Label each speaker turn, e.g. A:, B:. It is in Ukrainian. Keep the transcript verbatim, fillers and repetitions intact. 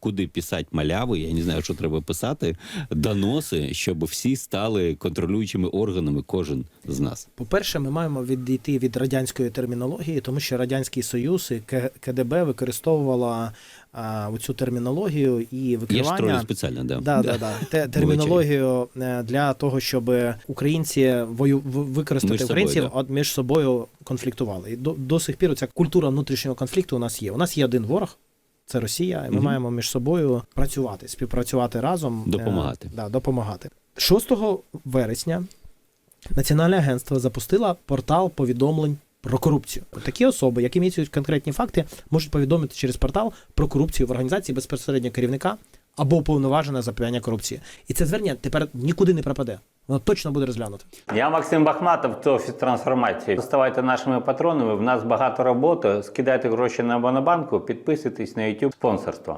A: куди писати маляву, я не знаю, що треба писати, доноси, щоб всі стали контролюючими органами, кожен з нас.
B: По-перше, ми маємо відійти від радянської термінології, тому що Радянський Союз і К- КДБ використовувала а, оцю термінологію і
A: Я ж
B: викривання.
A: тролю спеціально, да.
B: Да, да, да. Те, термінологію е, для того, щоб українці вою, в- використати
A: Між собою,
B: українців,
A: да.
B: от між собою конфліктували. І до, до сих пір ця культура внутрішнього конфлікту у нас є. У нас є один ворог. Це Росія, і ми
A: Мгм.
B: маємо між собою працювати, співпрацювати разом.
A: Допомагати.
B: Е, да, допомагати. шостого вересня Національне агентство запустило портал повідомлень про корупцію. Такі особи, які містять конкретні факти, можуть повідомити через портал про корупцію в організації безпосередньо керівника або уповноважене запобігання корупції. І це звернення тепер нікуди не пропаде. Воно точно буде розглянуто.
C: Я Максим Бахматов, це Офіс трансформації. Ставайте нашими патронами, в нас багато роботи. Скидайте гроші на Монобанку, підписуйтесь на YouTube спонсорство.